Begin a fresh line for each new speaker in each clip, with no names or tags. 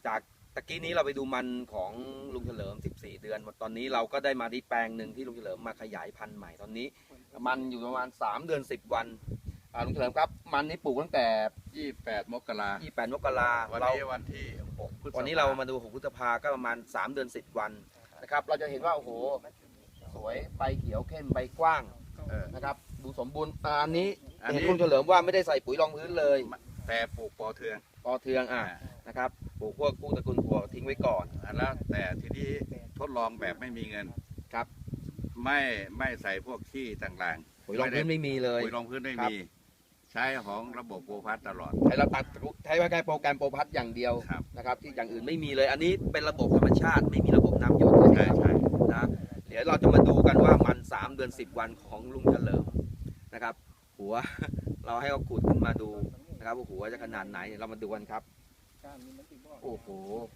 จากตะกี้นี้เราไปดูมันของลุงเฉลิม14 เดือนตอนนี้เราก็ได้มาที่แปลงหนึ่งที่ลุงเฉลิมมาขยายพันธุ์ใหม่ตอนนี้มันอยู่ประมาณ3 เดือน 10 วันลุงเฉลิมครับมันนี้ปลูกตั้งแต่
28 มกรา
28 มกรา
วันนี้วันที่6 พฤษภา
วันนี้เรามาดู6 พฤษภาก็ประมาณ3 เดือน 10 วันนะครับเราจะเห็นว่าโอ้โหสวยใบเขียวเข้มใบกว้างนะครับดูสมบูรณ์อันนี้เห็นลุงเฉลิมว่าไม่ได้ใส่ปุ๋ยรองพื้นเลย
แต่ปลูกปอเทือง
นะครับปลูกพวกกู้ตระกูลถั่วทิ้งไว้ก่อน
แล้วแต่ทีนี้ทดลองแบบไม่มีเงิน
ครับ
ไม่ใส่พวกขี้ต่าง
ๆปุ๋ยรองพื้นไม่มีเลย
ปุ๋ยรองพื้นไม่มีใช้ของระบบโปรพัทตลอด
ใช้แค่โปรแกรมโปรพัทอย่างเดียวนะครับที่อย่างอื่นไม่มีเลยอันนี้เป็นระบบธรรมชาติไม่มีระบบน้ำหยด
ใช่
นะเดี๋ยวเราจะมาดูกันว่ามัน3 เดือน 10 วันของลุงเฉลิมนะครับหัวเราให้เขาขุดขึ้นมาดูนะครับหัวจะขนาดไหนเรามาดูกันครับโอ้โห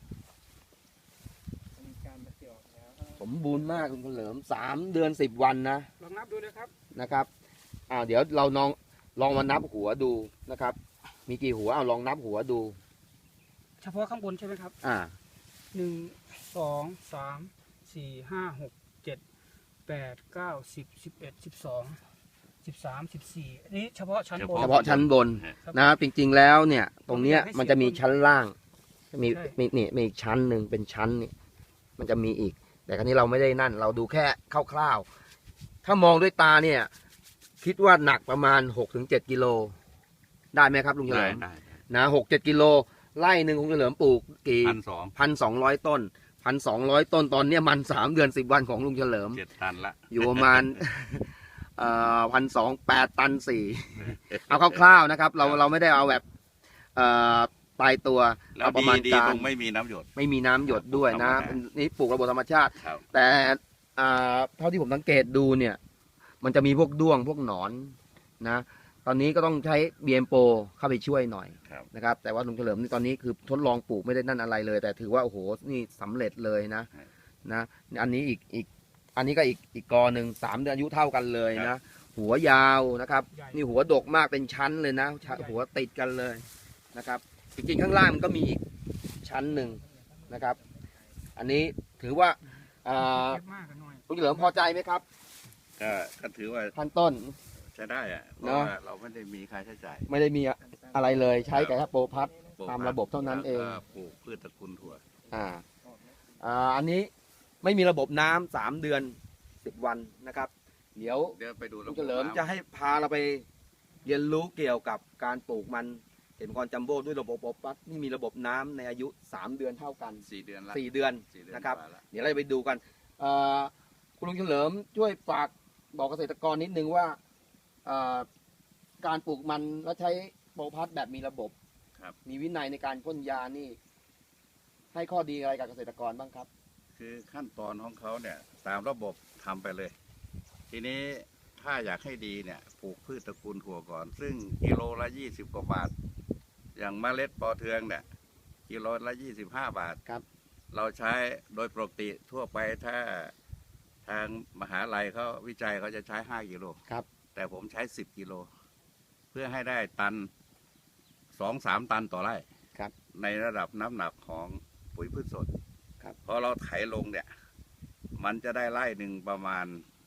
สมบูรณ์มากลุงเฉลิม3 เดือน 10 วันนะ
ลองนับดู
นะครับเดี๋ยวเราลองมานับหัวดูนะครับมีกี่หัวลองนับหัวดู
เฉพาะข้างบนใช่ไหมครับ1 2 3 4 5 6 7 8 9 10 11 12 13 14นี่เฉพาะชั้นบน
นะจริงๆแล้วเนี่ยตรงเนี้ยมันจะมีชั้นล่างมีอีกชั้นหนึ่งเป็นชั้นนี่มันจะมีอีกแต่ครั้นี้เราไม่ได้นั่นเราดูแค่คร่าวๆถ้ามองด้วยตาเนี่ยคิดว่าหนักประมาณ 6-7 กิโลได้ไหมครับลุงเฉลิมนะ6-7 กิโลไร่หนึ่งลุงเฉลิมปลูกกี่1,200 ต้น1,200 ต้นตอนนี้มัน3 เดือน 10 วันของลุงเฉลิม
7 ตันละ
อยู่ประมาณ1,208 ตัน 4เอาคร่าวๆนะครับเราไม่ได้เอาแบบตายตัว
เราประมาณการไม่มีน้ำ
หยดด้วยนะนี่ปลูกระบบธรรมชาติแต่เท่าที่ผมสังเกตดูเนี่ยมันจะมีพวกด้วงพวกหนอนนะตอนนี้ก็ต้องใช้ BM Pro เข้าไปช่วยหน่อยนะครับแต่ว่าลุงเฉลิมนี่ตอนนี้คือทดลองปลูกไม่ได้นั่นอะไรเลยแต่ถือว่าโอ้โหนี่สำเร็จเลยนะอันนี้อีกอันนี้ก็อีกกอหนึ่ง3 เดือนอายุเท่ากันเลยนะหัวยาวนะครับนี่หัวดกมากเป็นชั้นเลยนะหัวติดกันเลยนะครับจริงๆข้างล่างมันก็มีอีกชั้นหนึ่งนะครับอันนี้ถือว่าลุงเฉลิมพอใจไหมครับ
ก็ถือว่า
พันต้น
ใช้ได้อะเพราะว่าเราไม่ได้มีค่าใช้จ่าย
ไม่ได้มีอะไรเลยใช้แต่แค่โปรพัทตามระบบเท่านั้นเอง
ปลูกพืชตระกูลถั่ว
อันนี้ไม่มีระบบน้ำ3 เดือน 10 วันนะครับเดี๋ยว
ไปดู
ลุงเฉลิมจะให้พาเราไปเรียนรู้เกี่ยวกับการปลูกมันเห็นคอนจัมโบ้ด้วยระบบโปรพัทนี่มีระบบน้ำในอายุ3 เดือนเท่ากัน
4 เดือนละ
4 เดือนนะครับเดี๋ยวเราไปดูกันคุณลุงเฉลิมช่วยฝากบอกเกษตรกรนิดนึงว่าการปลูกมันแล้วใช้โปรพัทแบบมีระบบมีวินัยในการพ่นยานี่ให้ข้อดีอะไรกับเกษตรกรบ้างครับ
คือขั้นตอนของเขาเนี่ยตามระบบทำไปเลยทีนี้ถ้าอยากให้ดีเนี่ยปลูกพืชตระกูลถั่วก่อนซึ่งกิโลละ20 กว่าบาทอย่างเมล็ดปอเทืองเนี่ยกิโลละ25 บาท
ครับ
เราใช้โดยปกติทั่วไปถ้าทางมหาลัยเขาวิจัยเขาจะใช้5 กิโล
ครับ
แต่ผมใช้10 กิโลเพื่อให้ได้ตัน 2-3 ตันต่อไร่
ครับ
ในระดับน้ำหนักของปุ๋ยพืชสด
ครับ
พอเราไถลงเนี่ยมันจะได้ไร่หนึ่งประมาณ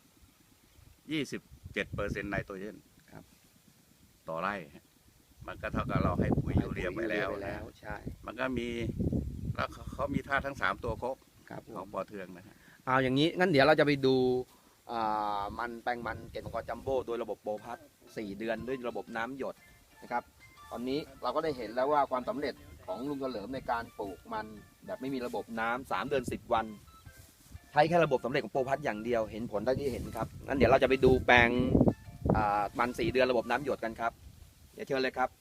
27%ไนโตรเจนต่อไร่มันก็เท่ากับเราให้ปุ๋ยยูเรียไปแล้ว
ใช่
มันก็มีแล้วเขามีท่าทั้ง3 ตัวครบของปอเทืองนะ
เอาอย่างนี้งั้นเดี๋ยวเราจะไปดูมันแปลงมันเกษตรกรจัมโบ้โดยระบบโปรพัท4 เดือนด้วยระบบน้ำหยดนะครับตอนนี้เราก็ได้เห็นแล้วว่าความสำเร็จของลุงเฉลิมในการปลูกมันแบบไม่มีระบบน้ำ3 เดือน 10 วันใช้แค่ระบบสำเร็จของโปรพัทอย่างเดียวเห็นผลได้ที่เห็นครับงั้นเดี๋ยวเราจะไปดูแปลงมัน4 เดือนระบบน้ำหยดกันครับเดี๋ยวเชิญเลยครับ